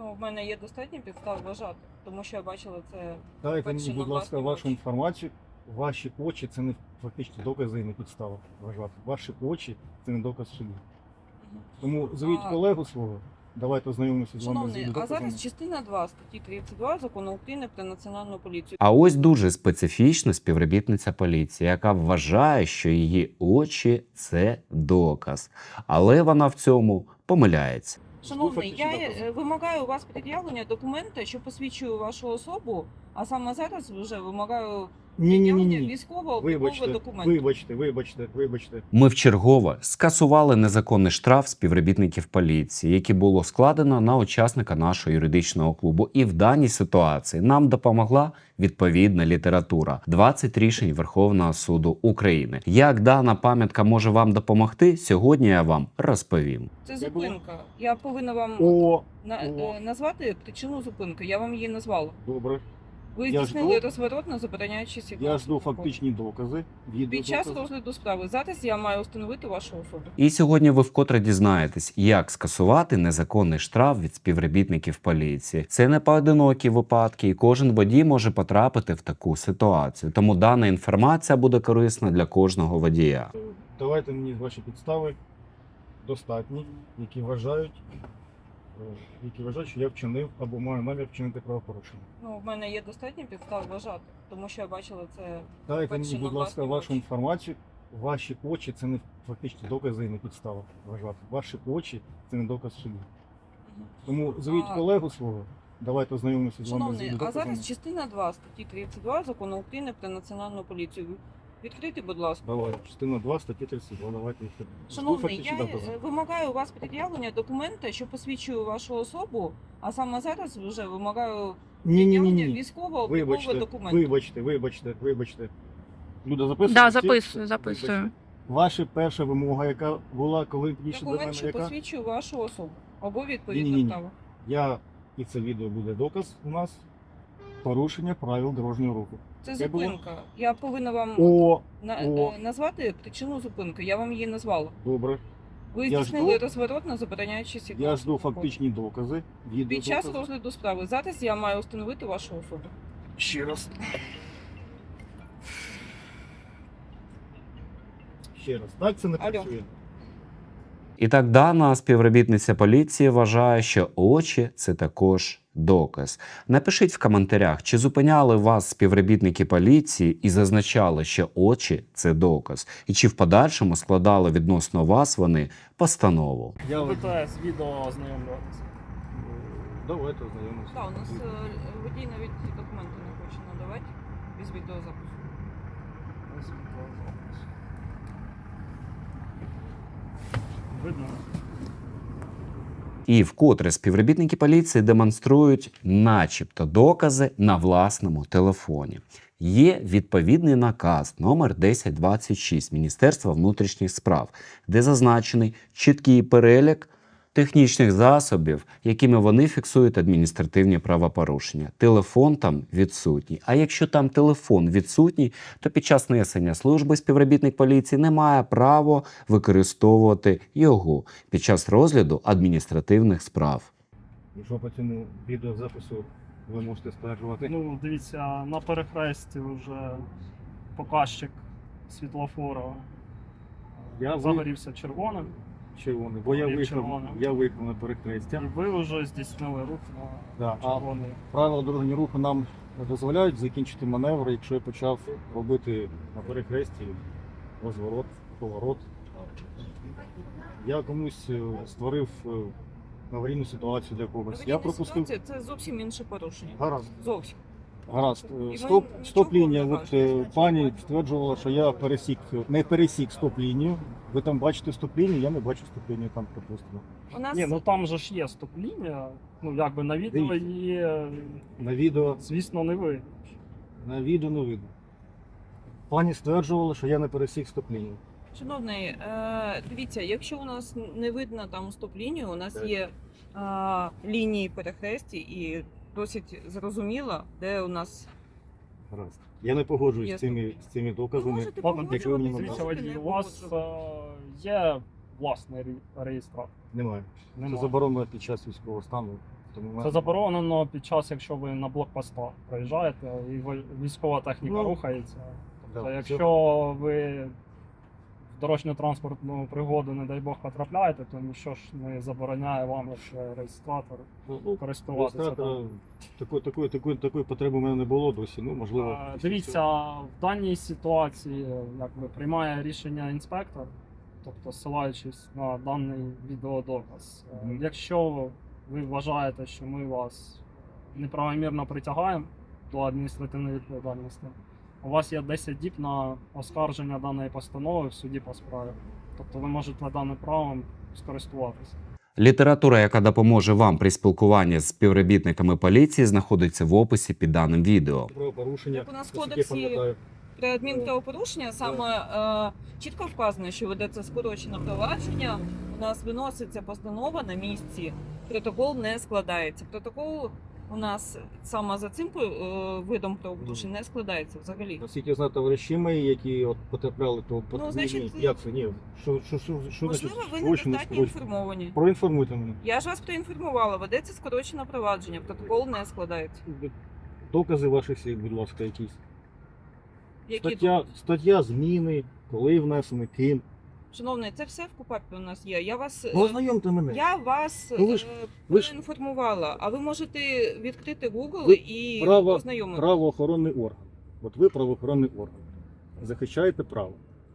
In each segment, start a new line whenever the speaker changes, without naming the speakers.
Ну, в мене є достатньо підстав вважати, тому що я бачила це.
Дайте
Перше
мені,
на
будь ласка,
власні
вашу
очі.
інформацію. Ваші очі це не фактично докази і не підстава вважати. Ваші очі це не доказ в суді.
Мгм.
Тому звіть колегу свого, давайте ознайомимося з вами з
Шановний, а
доказами.
зараз частина 2 статті 32 Закону України про національну поліцію.
А ось дуже специфічна співробітниця поліції, яка вважає, що її очі це доказ. Але вона в цьому помиляється.
Шановний, я
Слухайте, що
вимагаю у вас пред'явлення документа, що посвідчує вашу особу, а саме зараз вже вимагаю пред'явлення військово-облікового документу.
Вибачте.
Ми вчергове скасували незаконний штраф співробітників поліції, який було складено на учасника нашого юридичного клубу. І в даній ситуації нам допомогла відповідна література. 20 рішень Верховного суду України. Як дана пам'ятка може вам допомогти, сьогодні я вам розповім.
Це зупинка. Я повинна вам назвати причину зупинки. Я вам її назвала.
Добре.
Ви
Я
здійснили
жду.
розворот на забороняючий сигнал.
Я жду фактичні докази.
Під час
Відеодокази.
розгляду справи. Зараз я маю встановити вашу особу.
І сьогодні ви вкотре дізнаєтесь, як скасувати незаконний штраф від співробітників поліції. Це не поодинокі випадки, і кожен водій може потрапити в таку ситуацію. Тому дана інформація буде корисна для кожного водія.
Давайте мені ваші підстави достатні, які вважають, що я вчинив або маю намір вчинити правопорушення.
Ну, в мене є достатньо підстав вважати, тому що я бачила це.
Дайте
Перше
мені,
на
будь ласка,
власні
вашу
очі.
інформацію. Ваші очі це не фактично докази і не підстава вважати. Ваші очі це не доказ в суді.
Мгм.
Тому звіть колегу свого, давайте ознайомимося з вами з
Шановний, а
доказами.
зараз частина 2 статті 32 Закону України про національну поліцію. Відкрийте, будь ласка.
Давай, частина 2, статті 32, давайте їх.
Шановний, я вимагаю у вас пред'явлення документа, що посвідчує вашу особу, а саме зараз вже вимагаю пред'явлення
Ні.
військово-облікового документу.
Вибачте. Люда, записує?
Да, записую.
Ваша перша вимога, яка була, коли підійшли до
Документ,
мене,
що
яка?
посвідчує вашу особу. Або відповідне
Ні-ні-ні.
право.
І це відео буде доказ у нас порушення правил дорожнього руху.
Це
Це було?
зупинка. Я повинна вам назвати причину зупинки. Я вам її назвала.
Добре.
Ви
Я
здійснили
жду.
розворот на забороняючий сигнал.
Я жду фактичні докази.
Під час
Відеодокази.
розгляду справи. Зараз я маю встановити вашу особу.
Ще раз. Так це не
Алло.
працює.
І так дана співробітниця поліції вважає, що очі – це також доказ. Напишіть в коментарях, чи зупиняли вас співробітники поліції і зазначали, що очі – це доказ, і чи в подальшому складали відносно вас вони постанову.
Я
БТС, відео ознайомлюватися.
Давайте ознайомимося.
Так, у нас водій навіть документи не хоче надавати без відеозапису.
Видно?
І вкотре співробітники поліції демонструють начебто докази на власному телефоні. Є відповідний наказ номер 1026 Міністерства внутрішніх справ, де зазначений чіткий перелік технічних засобів, якими вони фіксують адміністративні правопорушення. Телефон там відсутній. А якщо там телефон відсутній, то під час несення служби співробітник поліції не має права використовувати його під час розгляду адміністративних справ.
Якщо по цьому відеозапису ви можете стверджувати.
Ну, дивіться, на перехресті вже показчик світлофора загорівся червоним.
Червоний, бо
Є червоний.
я виїхав на
І
перехрестя.
ви вже здійснили рух
Да,
на
а
червоний.
правила дорожнього руху нам дозволяють закінчити маневр, якщо я почав робити на перехресті розворот, поворот. Я комусь створив аварійну ситуацію для когось. Я пропустив.
Це зовсім інше порушення.
Гаразд.
Зовсім.
Гаразд.
ви
Стоп-лінія.
нічого
От
не кажете.
пані стверджувала, що я не пересік стоп-лінію. Ви там бачите стоп-лінію, я не бачу стоп-лінію там, припустимо.
У нас
Ні, ну там же ж є стоп-лінія. Ну, якби на відео
Дивіться.
її,
На відео
звісно, не ви.
не видно. Пані стверджувала, що я не пересік стоп-лінію.
Шановний, дивіться, якщо у нас не видно там стоп-лінію, у нас
Так.
є лінії перехресті і досить зрозуміло, де у нас
Гаразд. Я не погоджуюсь
Є
з цими
ви
доказами.
можете
Ладно,
якщо ви мені
погоджуватися,
Дивіться,
можете
водій,
не
у вас
погоджуватися.
є власний реєстратор.
Немає. Це
Немає.
заборонено під час військового стану. Тому
Це заборонено під час, якщо ви на блокпостах проїжджаєте і військова техніка
Ну,
рухається. Тобто,
да,
якщо ви в дорожньо-транспортну пригоду, не дай Бог, потрапляєте, то нічого ж не забороняє вам, як реєстратор, користуватися.
реєстратора
там.
такої потреби в мене не було досі. Ну, можливо.
Дивіться, в даній ситуації якби, приймає рішення інспектор, тобто ссилаючись на даний відеодоказ.
Мгм.
Якщо ви вважаєте, що ми вас неправомірно притягаємо до адміністративної відповідальності, у вас є 10 діб на оскарження даної постанови в суді по справі. Тобто ви можете даним правом скористуватися.
Література, яка допоможе вам при спілкуванні з співробітниками поліції, знаходиться в описі під даним відео.
Правопорушення.
Як у нас в
наскільки я
кодексі
пам'ятаю.
При адмінправопорушення саме чітко вказано, що ведеться скорочене провадження. У нас виноситься постанова на місці, протокол не складається. Протокол у нас саме за цим видом правопорушень не складається взагалі.
Наскільки я знаю, товариші мої, які от потрапляли, то
значить,
як це? Ні. Що
Можливо, ви
скорочено,
недостатньо
скорочено?
інформовані.
Проінформуйте мене.
Я ж вас проінформувала, ведеться скорочене провадження, протокол не складається.
Докази ваших слів, будь ласка, якісь.
Які
Стаття зміни, коли внесені, ким.
Шановний, це все в КУПАПі у нас є. Я вас
Ну, ознайомте мене.
я вас
Ну, ви ж-
проінформувала, а ви можете відкрити Google
Ви
і
право-
ознайомитися.
Правоохоронний орган. От ви правоохоронний орган. Захищаєте право.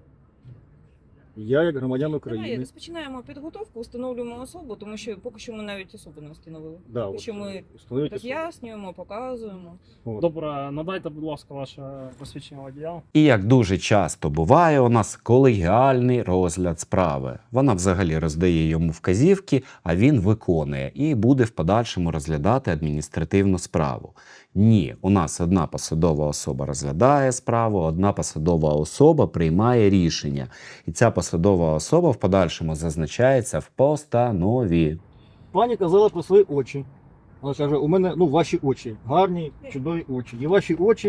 Я, як громадян
Давай
України,
розпочинаємо підготовку, встановлюємо особу, тому що поки що ми навіть особу не встановили.
да,
Поки
от,
що ми
встановити особу.
роз'яснюємо, показуємо.
От.
Добре, надайте, будь ласка, ваше посвідчення водія.
І як дуже часто буває, у нас колегіальний розгляд справи. Вона взагалі роздає йому вказівки, а він виконує і буде в подальшому розглядати адміністративну справу. Ні, у нас одна посадова особа розглядає справу, одна посадова особа приймає рішення. І ця посадова особа в подальшому зазначається в постанові.
Пані казала про свої очі. Вона каже, у мене ваші очі, гарні, чудові очі. І ваші очі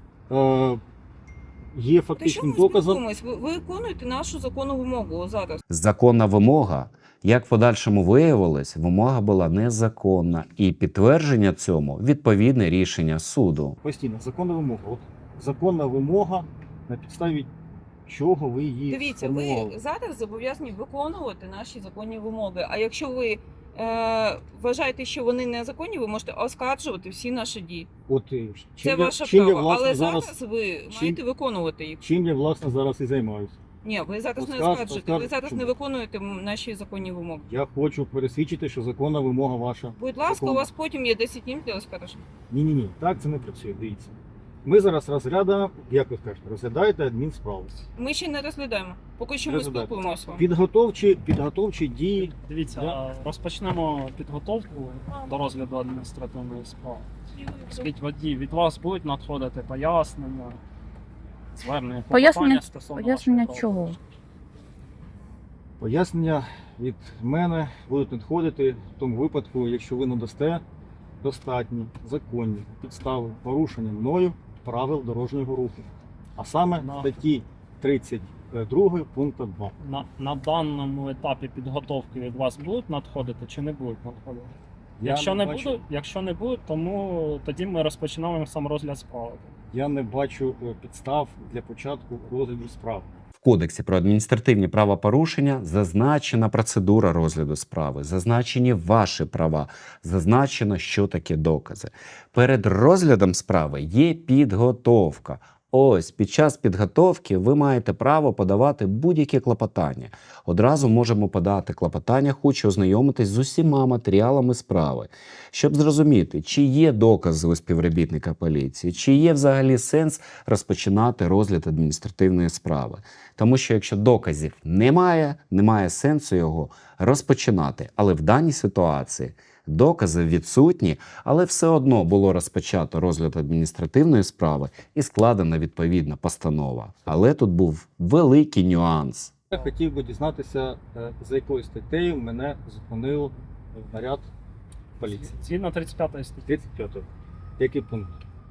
є
Та що
фактичним
ми
доказом.
спілкуємось? Ви виконуєте нашу законну вимогу зараз.
Законна вимога, як в подальшому виявилось, вимога була незаконна. І підтвердження цьому відповідне рішення суду.
Постійно, законна вимога. От законна вимога, на підставі чого ви її
Дивіться, ви
сформували.
зараз зобов'язані виконувати наші законні вимоги. А якщо ви вважаєте, що вони незаконні, ви можете оскаржувати всі наші дії.
От,
Це ваше
чим я,
право.
власне,
Але
зараз,
зараз ви маєте виконувати їх.
чим я, власне, зараз і займаюся.
Ні, ви зараз не
Оскарж-
оскаржуєте, ви
оскарж-
зараз
чому?
не виконуєте наші законні вимоги.
Я хочу пересвідчити, що законна вимога ваша.
Будь ласка,
Законна.
у вас потім є 10 днів для оскарження.
Ні, так це не працює, дивіться. Ми зараз розглядаємо, як ви скажете, розглядаєте адмінсправу.
Ми ще не розглядаємо. Поки що ми
Розглядаємо.
спілкуємося.
Підготовчі дії.
Дивіться,
Да.
розпочнемо підготовку до розгляду адміністративної справи. Скажіть, водій, від вас будуть надходити пояснення, звернення,
Пояснення-
клопотання стосовно
Пояснення
вашого
чого?
правопорушення?
Пояснення від мене будуть надходити в тому випадку, якщо ви надасте достатні законні підстави порушення мною правил дорожнього руху. А саме
Ну.
статті 32 пункту 2.
На даному етапі підготовки від вас будуть надходити чи не будуть надходити? Якщо не будуть, тому тоді ми розпочинаємо сам розгляд справи.
Я не бачу підстав для початку розгляду справи.
В Кодексі про адміністративні правопорушення зазначена процедура розгляду справи, зазначені ваші права, зазначено, що таке докази. Перед розглядом справи є підготовка. Ось, під час підготовки ви маєте право подавати будь-які клопотання. Одразу можемо подати клопотання, хочу ознайомитись з усіма матеріалами справи, щоб зрозуміти, чи є докази у співробітника поліції, чи є взагалі сенс розпочинати розгляд адміністративної справи. Тому що якщо доказів немає сенсу його розпочинати. Але в даній ситуації докази відсутні, але все одно було розпочато розгляд адміністративної справи і складена відповідна постанова. Але тут був великий нюанс.
Я хотів би дізнатися, за якою статтею мене зупинив наряд поліції.
Згідно 35 статті.
35. Який пункт?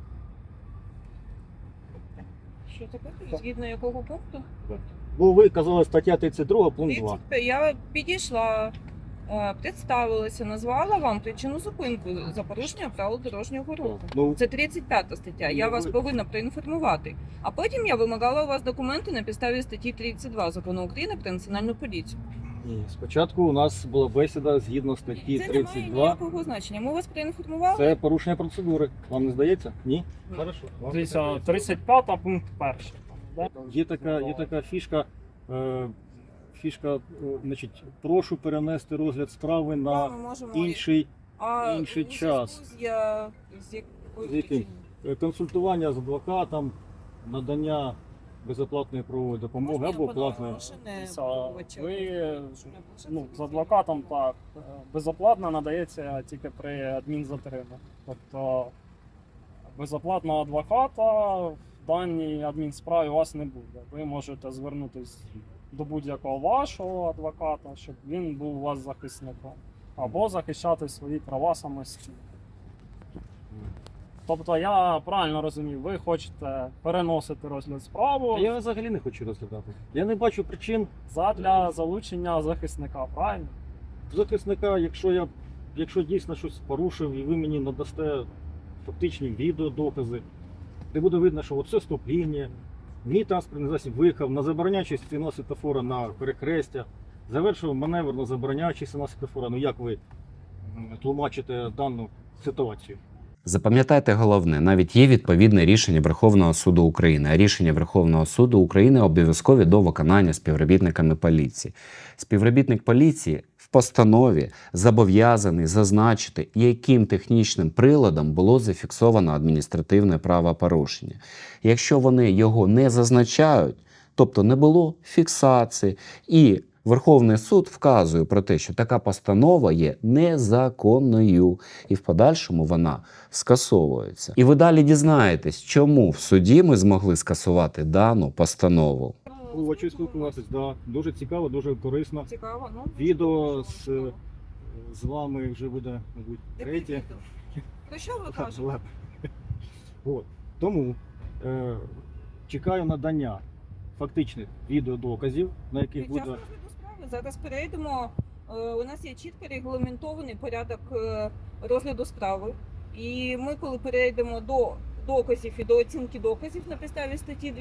Що таке? Згідно якого пункту?
Бо ви казали стаття 32, пункт 2.
35. Я підійшла представилася, назвала вам причину зупинку за порушення правил дорожнього руху.
Ну,
Це 35 стаття. Я
Ну,
вас
ви-
повинна проінформувати. А потім я вимагала у вас документи на підставі статті 32 Закону України про національну поліцію.
ні, спочатку у нас була бесіда згідно статті
Це не має
32.
ніякого значення. Ми вас проінформували.
Це порушення процедури. Вам не здається? Ні?
Ні.
Хорошо. Вам
Дивіться,
здається.
35 пункт 1. Да?
Є така фішка. Значить, прошу перенести розгляд справи
Да,
на
ми можемо
інший
інший
час.
З якою
З яким?
причиною?
Консультування з адвокатом, надання безоплатної правової допомоги
Можна я
або
подам
платної.
машини
Дивіться,
обвинувача?
ви
Щоб не було
ну,
це
з адвокатом так. Безоплатно надається тільки при адмінзатримі. Тобто безоплатного адвоката в даній адмінсправі у вас не буде. Ви можете звернутися до будь-якого вашого адвоката, щоб він був у вас захисником. Або захищати свої права самостійно. Тобто я правильно розумію, ви хочете переносити розгляд справи
Я взагалі не хочу розглядати. Я не бачу причин
задля залучення захисника, правильно?
захисника, якщо дійсно щось порушив і ви мені надасте фактичні відеодокази, де буде видно, що оце стоп-лінія, мій транспортний засіб виїхав на забороняючий сигнал світлофора на перехрестя, завершив маневр на забороняючий сигнал світлофора. Ну як ви тлумачите дану ситуацію?
Запам'ятайте головне, навіть є відповідне рішення Верховного суду України, а рішення Верховного суду України обов'язкові до виконання співробітниками поліції. Співробітник поліції в постанові зобов'язаний зазначити, яким технічним приладом було зафіксовано адміністративне правопорушення. Якщо вони його не зазначають, тобто не було фіксації, і Верховний суд вказує про те, що така постанова є незаконною, і в подальшому вона скасовується. І ви далі дізнаєтесь, чому в суді ми змогли скасувати дану постанову.
Хочу спілкуватись, да. Дуже цікаво, дуже корисно.
Цікаво, ну.
Відео з вами вже буде, мабуть,
Яке
третє.
відео? Про що ви кажете?
От. Тому чекаю надання фактичних відеодоказів, на яких
Під час
буде.
розгляду справи зараз перейдемо. У нас є чітко регламентований порядок розгляду справи. І ми, коли перейдемо до доказів і до оцінки доказів на підставі статті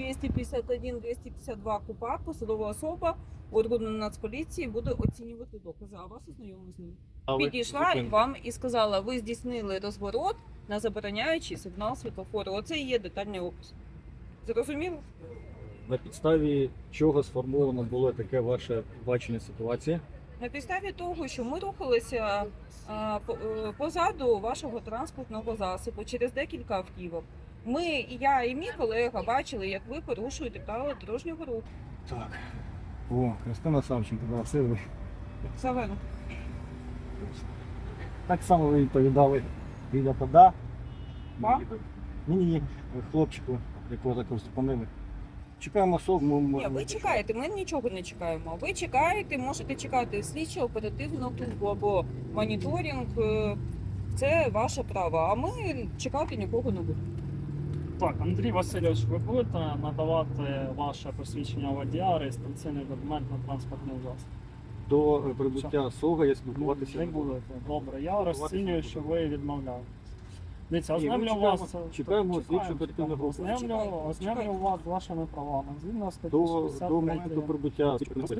251-252 КУПАП, посадова особа органу Нацполіції буде оцінювати докази, а вас ознайомить з ними. Підійшла і вам і сказала, ви здійснили розворот на забороняючий сигнал світлофору. Оце і є детальний опис. Зрозуміло?
На підставі чого сформовано було таке ваше бачення ситуації?
На підставі того, що ми рухалися позаду вашого транспортного засобу через декілька автівок. Ми, і я, і мій колега бачили, як ви порушуєте правила дорожнього руху.
Так. О, Христина Савченко, да, це ви.
Савенко.
Так само ви відповідали біля пода.
Вам?
Ні, хлопчику, якого також зупинили. Чекаємо особу.
Ні, ви чекаєте, ми нічого не чекаємо. Ви чекаєте, можете чекати слідчо оперативну службу або моніторинг. Це ваше право, а ми чекати нікого не будемо.
Так, Андрій Васильович, ви будете надавати ваше посвідчення водія, реєстраційний документ на транспортний засіб?
До прибуття СОГа я спілкуватися
Не будете. Добре, я розцінюю, що ви відмовляєте. Дивіться,
Ні, ми
ознайомлю вас.
чекаємо слідчу
Чекаємо,
оперативну групу.
Ознайомлю вас з вашими правами. Згідно статті
До
63.
моменту прибуття.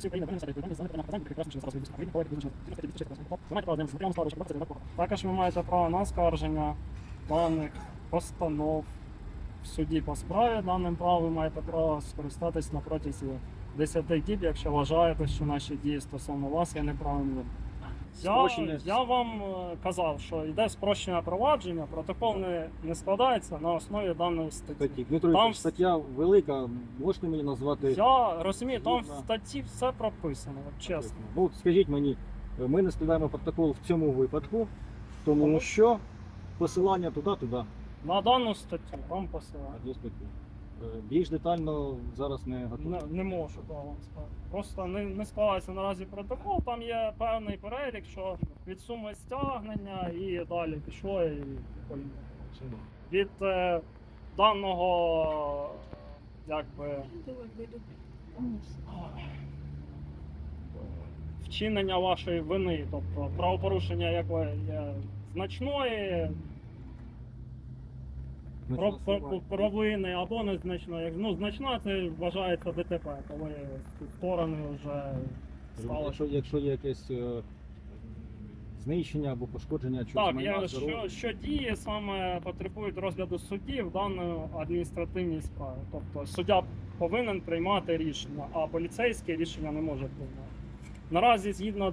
Також ви маєте право на оскарження даних постанов в суді по справі. Даним правом ви маєте право скористатись на протязі 10 діб, якщо вважаєте, що наші дії стосовно вас є неправильними. Я вам казав, що йде спрощене провадження, протокол не складається на основі даної статті.
Дмитро,
Там-
стаття велика, можете мені назвати?
Я розумію, там в
Згідно.
статті все прописано, от чесно.
Ну, скажіть мені, ми не складаємо протокол в цьому випадку, тому що посилання туди.
На дану статтю там посилання.
Одну статтю. Більш детально зараз не готовий.
Не можу да, вам сказати. Просто не складається наразі протокол, там є певний перелік, що від суми стягнення і далі пішло і поїхало. Від даного якби вчинення вашої вини. Тобто правопорушення якої є значної, провини або незначної. Ну, значна це вважається ДТП, коли сторони вже стали.
Якщо є якесь знищення або пошкодження чогось
Так,
майна, здоров'я.
що дії саме потребують розгляду судді в даної адміністративній справі. Тобто суддя повинен приймати рішення, а поліцейське рішення не може приймати. Наразі згідно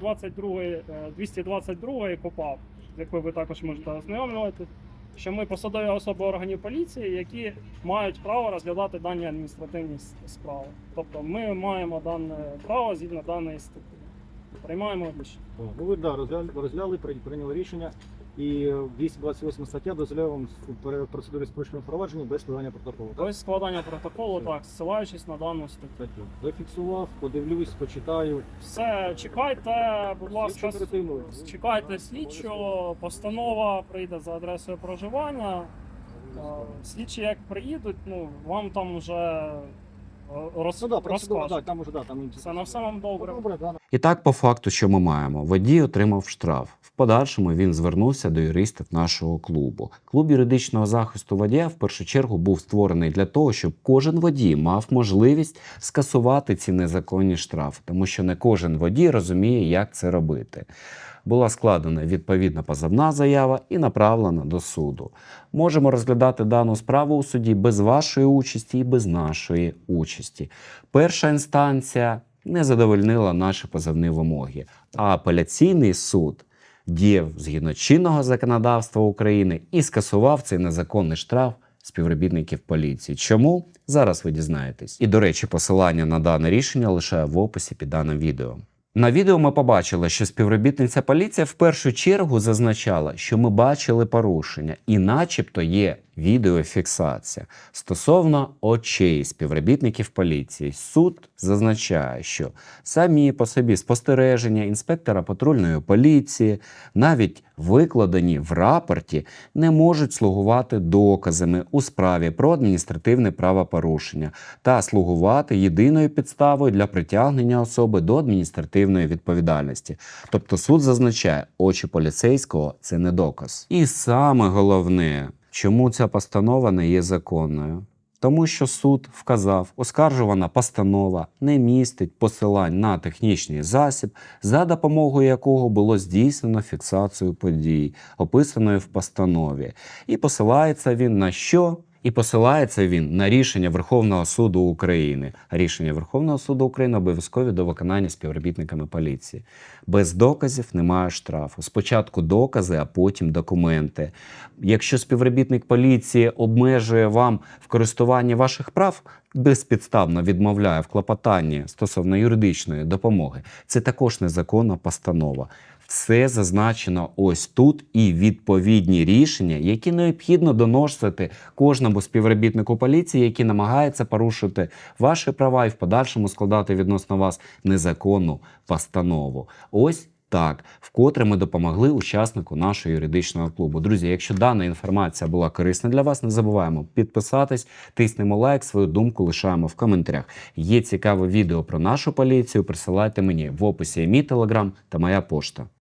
222 КУпАП, з якою ви також можете ознайомлювати, що ми посадові особи органів поліції, які мають право розглядати дані адміністративні справи. Тобто ми маємо дане право згідно даної статті. Приймаємо рішення.
Ну ви розгляли, прийняли рішення. І 228 стаття дозволяє вам в процедурі спрощеного провадження без складання протоколу. Так?
Без складання протоколу, так, ссилаючись на дану статтю.
Статтю. Зафіксував, подивлюсь, почитаю.
Все, чекайте, будь ласка,
Слідчо оперативно.
чекайте слідчого, постанова прийде за адресою проживання. Слідчі як приїдуть, ну, вам там вже
Ну да, процедура,
розкажуть.
да, там уже, да, там
Все на все вам добре.
Добре, да.
І так, по факту, що ми маємо? Водій отримав штраф. В подальшому він звернувся до юристів нашого клубу. Клуб юридичного захисту водія в першу чергу був створений для того, щоб кожен водій мав можливість скасувати ці незаконні штрафи, тому що не кожен водій розуміє, як це робити. Була складена відповідна позовна заява і направлена до суду. Можемо розглядати дану справу у суді без вашої участі і без нашої участі. Перша інстанція не задовольнила наші позовні вимоги, а апеляційний суд діяв згідно чинного законодавства України і скасував цей незаконний штраф співробітників поліції. Чому? Зараз ви дізнаєтесь. І, до речі, посилання на дане рішення лишаю в описі під даним відео. На відео ми побачили, що співробітниця поліції в першу чергу зазначала, що ми бачили порушення і начебто є відеофіксація. Стосовно очей співробітників поліції, суд зазначає, що самі по собі спостереження інспектора патрульної поліції, навіть викладені в рапорті, не можуть слугувати доказами у справі про адміністративне правопорушення та слугувати єдиною підставою для притягнення особи до адміністративної відповідальності. Тобто суд зазначає, очі поліцейського – це не доказ. І саме головне, чому ця постанова не є законною? Тому що суд вказав, оскаржувана постанова не містить посилань на технічний засіб, за допомогою якого було здійснено фіксацію подій, описаної в постанові. І посилається він на що? І посилається він на рішення Верховного суду України. Рішення Верховного суду України обов'язкові до виконання співробітниками поліції. Без доказів немає штрафу. Спочатку докази, а потім документи. Якщо співробітник поліції обмежує вам в користуванні ваших прав, безпідставно відмовляє в клопотанні стосовно юридичної допомоги, це також незаконна постанова. Все зазначено ось тут і відповідні рішення, які необхідно доносити кожному співробітнику поліції, який намагається порушити ваші права і в подальшому складати відносно вас незаконну постанову. Ось так, вкотре ми допомогли учаснику нашого юридичного клубу. Друзі, якщо дана інформація була корисна для вас, не забуваємо підписатись, тиснемо лайк, свою думку лишаємо в коментарях. Є цікаве відео про нашу поліцію, присилайте мені в описі мій телеграм та моя пошта.